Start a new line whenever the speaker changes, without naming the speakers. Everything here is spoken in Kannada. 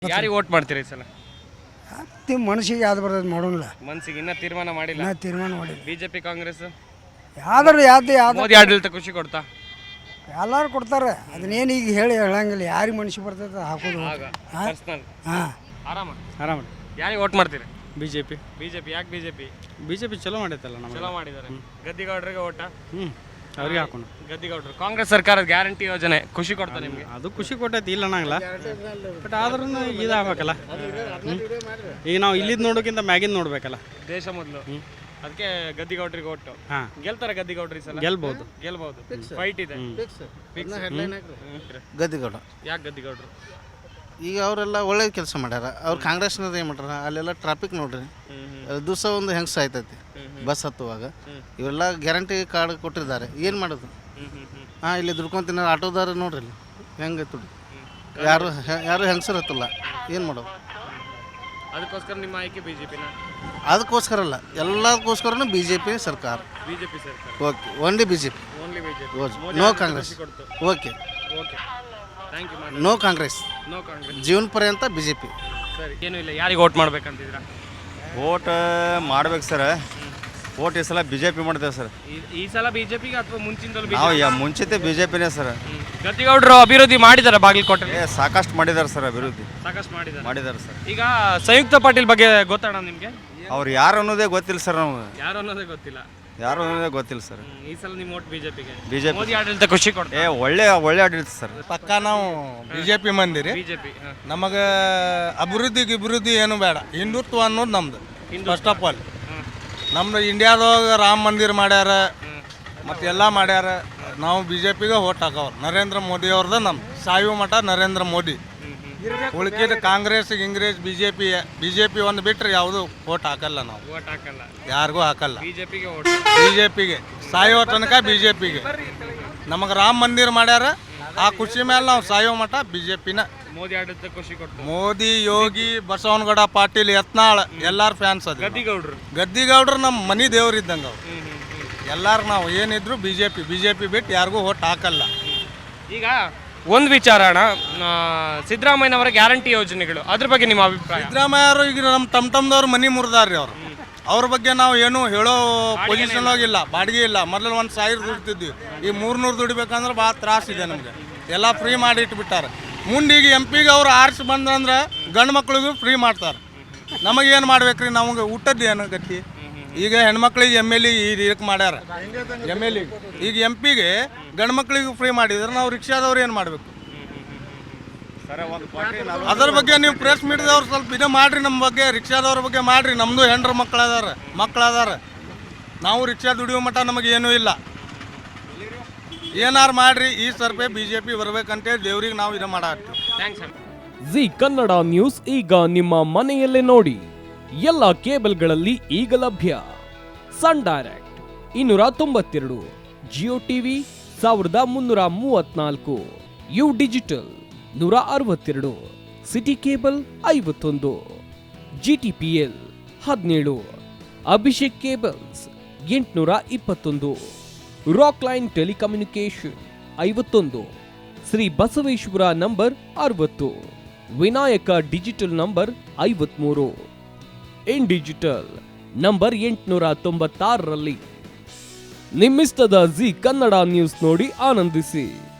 ಯಾರಿಗೆ ವೋಟ್ ಮಾಡ್ತೀರಿ ಈ ಸಲ?
ಮನಸ್ಸಿಗೆ ಯಾವ್ದು ಬರ್ತದೆ ಮಾಡೋಲ್ಲ.
ಮನ್ಸಿಗೆ ಇನ್ನ ತೀರ್ಮಾನ ಮಾಡಿಲ್ಲ.
ತೀರ್ಮಾನ ಮಾಡಿಲ್ಲ.
ಬಿಜೆಪಿ ಕಾಂಗ್ರೆಸ್
ಯಾವ್ದಾರು ಯಾವ್ದು
ಮೋದಿ ಆಡಳಿತ ಖುಷಿ ಕೊಡ್ತಾ?
ಎಲ್ಲರೂ ಕೊಡ್ತಾರೆ. ಅದನ್ನೇನು ಈಗ ಹೇಳಂಗಿಲ್ಲ. ಯಾರಿಗೆ ಮನಸ್ಸಿಗೆ ಬರ್ತದೆ ಹಾಕೋದು.
ಪರ್ಸನಲ್. ಆರಾಮ. ಯಾರಿಗೆ ವೋಟ್ ಮಾಡ್ತೀರಿ?
ಬಿಜೆಪಿ.
ಯಾಕೆ ಬಿಜೆಪಿ?
ಬಿಜೆಪಿ ಚಲೋ ಮಾಡೈತಲ್ಲ ನಮಗೆ.
ಚಲೋ ಮಾಡಿದ್ದಾರೆ. ಗದ್ದಿಗೌಡರಿಗೆ ಓಟ?
ಅವ್ರಿಗೆ ಹಾಕೋಣ.
ಗದ್ದಿಗೌಡರು. ಕಾಂಗ್ರೆಸ್ ಸರ್ಕಾರದ ಗ್ಯಾರಂಟಿ ಯೋಜನೆ ಖುಷಿ ಕೊಡ್ತಾ ನಿಮಗೆ?
ಅದು ಖುಷಿ ಕೊಟ್ಟೈತಿ, ಇಲ್ಲ ಅನ್ನಂಗಿಲ್ಲ. ಬಟ್ ಆದ್ರೂ ಇದಾಗಬೇಕಲ್ಲ. ಈಗ ನಾವು ಇಲ್ಲಿದ್ ನೋಡೋಕ್ಕಿಂತ ಮ್ಯಾಗಿಂದ ನೋಡ್ಬೇಕಲ್ಲ.
ದೇಶ ಮೊದಲು. ಅದಕ್ಕೆ ಗದ್ದಿಗೌಡರಿಗೆ ಓಟು. ಗೆಲ್ತಾರೆ ಗದ್ದಿಗೌಡರು ಈ ಸಲ?
ಗೆಲ್ಬಹುದು.
ಫೈಟ್ ಇದೆ.
ಗದ್ದಿಗೌಡ.
ಯಾಕೆ ಗದ್ದಿಗೌಡರು?
ಈಗ ಅವರೆಲ್ಲ ಒಳ್ಳೆ ಕೆಲಸ ಮಾಡ್ಯಾರ. ಅವ್ರು ಕಾಂಗ್ರೆಸ್ನವ್ರು ಏನು ಮಾಡ್ಯಾರ, ಅಲ್ಲೆಲ್ಲ ಟ್ರಾಫಿಕ್ ನೋಡ್ರಿ, ದಿವಸ ಒಂದು ಹೆಂಗ್ಸ್ ಆಯ್ತೈತಿ ಬಸ್ ಹತ್ತುವಾಗ. ಇವೆಲ್ಲ ಗ್ಯಾರಂಟಿ ಕಾರ್ಡ್ ಕೊಟ್ಟಿದ್ದಾರೆ. ಏನು ಮಾಡೋದು? ಇಲ್ಲಿ ದುಡ್ಕೊಂತಿನ ಆಟೋದಾರ ನೋಡ್ರಿ ಇಲ್ಲಿ ಹೆಂಗೆ ದುಡ್ಡು. ಯಾರು ಹೆಂಗಸರು ಹತ್ತಲ್ಲ. ಏನು ಮಾಡೋದು?
ಅದಕ್ಕೋಸ್ಕರ ನಿಮ್ಮ ಆಯ್ಕೆ ಬಿಜೆಪಿನ?
ಅದಕ್ಕೋಸ್ಕರ ಅಲ್ಲ, ಎಲ್ಲದಕ್ಕೋಸ್ಕರನೂ ಬಿಜೆಪಿ ಸರ್ಕಾರ. Okay, only BJP. No Congress. Okay, no Congress. ಜೀವನ ಪರ್ಯಂತ ಬಿಜೆಪಿ.
ಸರಿ, ಏನೂ ಇಲ್ಲ. ಯಾರಿಗೆ ವೋಟ್ ಮಾಡ್ಬೇಕಂತಿದ್ದೀರಾ?
ವೋಟ್ ಮಾಡ್ಬೇಕು ಸರ್. ವೋಟ್ ಈ ಸಲ ಬಿಜೆಪಿ ಮಾಡ್ತೇವೆ ಸರ್.
ಈ ಸಲ ಬಿಜೆಪಿಗೆ ಅಥವಾ ಮುಂಚಿನ?
ನಾವು ಮುಂಚಿತ ಬಿಜೆಪಿನೇ ಸರ್.
ಗದ್ದಿಗೌಡರು ಅಭಿವೃದ್ಧಿ ಮಾಡಿದ್ದಾರೆ ಬಾಗಲಕೋಟೆ?
ಸಾಕಷ್ಟು ಮಾಡಿದ್ದಾರೆ ಸರ್ ಅಭಿವೃದ್ಧಿ.
ಸಾಕಷ್ಟು ಮಾಡಿದ್ದಾರೆ
ಸರ್.
ಈಗ ಸಂಯುಕ್ತ ಪಾಟೀಲ್ ಬಗ್ಗೆ ಗೊತ್ತಣ್ಣ ನಿಮಗೆ?
ಅವ್ರು ಯಾರು ಅನ್ನೋದೇ ಗೊತ್ತಿಲ್ಲ ಸರ್. ನಮ್ಗೆ
ಯಾರು ಅನ್ನೋದೇ ಗೊತ್ತಿಲ್ಲ
ಸರ್.
ಈ ಸಲ ನಿಮ್ಮ ವೋಟ್ ಬಿಜೆಪಿಗೆ?
ಬಿಜೆಪಿ.
ಮೋದಿ ಆಡಳಿತ ಖುಷಿ ಕೊಡ್ತಾರೆ.
ಒಳ್ಳೆ ಆಡಳಿತ ಸರ್.
ಪಕ್ಕ ನಾವು ಬಿಜೆಪಿ ಮಂದಿರಿ.
ಬಿಜೆಪಿ
ನಮಗೆ ಅಭಿವೃದ್ಧಿ ಏನು ಬೇಡ. ಹಿಂದುತ್ವ ಅನ್ನೋದು ನಮ್ದು ಫಸ್ಟ್ ಆಫ್ ಆಲ್. ನಮ್ದು ಇಂಡಿಯಾದಾಗ ರಾಮ ಮಂದಿರ ಮಾಡ್ಯಾರ, ಮತ್ತು ಎಲ್ಲ ಮಾಡ್ಯಾರ. ನಾವು ಬಿಜೆಪಿಗೆ ವೋಟ್ ಹಾಕವ್ರು. ನರೇಂದ್ರ ಮೋದಿ ಅವ್ರದ ನಮ್ದು ಸಾಯುವ ಮಠ ನರೇಂದ್ರ ಮೋದಿ. ಉಳ್ಕಿದ ಕಾಂಗ್ರೆಸ್ ಗಿಂಗ್ರೆಸ್ ಬಿಜೆಪಿ ಒಂದು ಬಿಟ್ಟರೆ ಯಾವುದು ವೋಟ್ ಹಾಕಲ್ಲ. ನಾವು ಯಾರಿಗೂ ಹಾಕಲ್ಲ. ಬಿಜೆಪಿಗೆ ಸಾಯೋ ತನಕ ಬಿಜೆಪಿಗೆ. ನಮಗೆ ರಾಮ ಮಂದಿರ ಮಾಡ್ಯಾರ. ಆ ಖುಷಿ ಮೇಲೆ ನಾವು ಸಾಯೋ ಮಠ ಬಿಜೆಪಿನ.
ಮೋದಿ ಆಡಳಿತ ಖುಷಿ ಕೊಡ್ತಾರೆ.
ಮೋದಿ, ಯೋಗಿ, ಬಸವನಗೌಡ, ಪಾಟೀಲ್, ಯತ್ನಾಳ್ ಎಲ್ಲಾರು ಫ್ಯಾನ್ಸ್ ಅದ. ಗದ್ದಿಗೌಡ್ರು ನಮ್ಮ ಮನಿ ದೇವ್ರಿದ್ದಂಗೆ ಅವ್ರು. ಎಲ್ಲಾರು ನಾವು ಏನಿದ್ರು ಬಿಜೆಪಿ ಬಿಟ್ಟು ಯಾರಿಗೂ ವೋಟ್ ಹಾಕಲ್ಲ.
ಈಗ ಒಂದು ವಿಚಾರ ಅಣ್ಣ, ಸಿದ್ದರಾಮಯ್ಯನವರ ಗ್ಯಾರಂಟಿ ಯೋಜನೆಗಳು, ಅದ್ರ ಬಗ್ಗೆ ನಿಮ್ಮ ಅಭಿಪ್ರಾಯ?
ಸಿದ್ದರಾಮಯ್ಯವರು ಈಗ ನಮ್ಮ ತಮ್ಮದವ್ರು ಮನಿ ಮುರಿದಾರ್ರಿ ಅವ್ರು. ಅವ್ರ ಬಗ್ಗೆ ನಾವು ಏನು ಹೇಳೋ ಪೊಸಿಷನ್ ಹೋಗಿಲ್ಲ. ಬಾಡಿಗೆ ಇಲ್ಲ. ಮೊದಲು 1,000 ದುಡಿತಿದ್ವಿ. ಈಗ 300 ದುಡಿಬೇಕಂದ್ರೆ ಭಾಳ ತ್ರಾಸಿದೆ ನಮಗೆ. ಎಲ್ಲ ಫ್ರೀ ಮಾಡಿ ಇಟ್ಬಿಟ್ಟಾರೆ. ಮುಂದೆ ಈಗ MP ಅವ್ರು ಆರಿಸಿ ಬಂದಂದ್ರೆ ಗಂಡು ಮಕ್ಳಿಗೂ ಫ್ರೀ ಮಾಡ್ತಾರೆ. ನಮಗೇನು ಮಾಡ್ಬೇಕ್ರಿ? ನಮಗೆ ಊಟದ್ದು ಏನು ಗತಿ? ಈಗ ಹೆಣ್ಮಕ್ಳಿಗೆ MLA ಇದಕ್ಕೆ ಮಾಡ್ಯಾರ. MLA ಈಗ MP ಗೆ ಗಂಡು ಮಕ್ಳಿಗೆ ಫ್ರೀ ಮಾಡಿದ್ರೆ ನಾವು ರಿಕ್ಷಾದವ್ರು ಏನು ಮಾಡಬೇಕು? ಅದ್ರ ಬಗ್ಗೆ ನೀವು ಪ್ರೆಸ್ ಮೀಡಿಯಾದವ್ರು ಸ್ವಲ್ಪ ಇದು ಮಾಡ್ರಿ. ನಮ್ಮ ಬಗ್ಗೆ ರಿಕ್ಷಾದವ್ರ ಬಗ್ಗೆ ಮಾಡ್ರಿ. ನಮ್ಮದು ಹೆಂಡ್ರ ಮಕ್ಕಳದಾರ. ನಾವು ರಿಕ್ಷಾ ದುಡಿಯೋ ಮಟ್ಟ ನಮಗೇನೂ ಇಲ್ಲ. ಏನಾರು ಮಾಡ್ರಿ. ಈ ಸರ್ಪೆ ಬಿಜೆಪಿ ಬರ್ಬೇಕಂತೇಳಿ ದೇವ್ರಿಗೆ ನಾವು ಇದು ಮಾಡಾಕ್ತೀವಿ.
ಜಿ ಕನ್ನಡ ನ್ಯೂಸ್ ಈಗ ನಿಮ್ಮ ಮನೆಯಲ್ಲೇ ನೋಡಿ. ಎಲ್ಲ ಕೇಬಲ್ಗಳಲ್ಲಿ ಈಗ ಲಭ್ಯ. Sun Direct 292, Jio TV 1334, U digital 162, city cable 51, GTPL 17, Abhishek cables 821, rock line telecommunication 51, Shri Basaveshwara number 60, Vinayaka digital number 53, in digital number 896ರಲ್ಲಿ. ನಿಮ್ಮಿಸ್ತದ ಜಿ ಕನ್ನಡ ನ್ಯೂಸ್ ನೋಡಿ ಆನಂದಿಸಿ.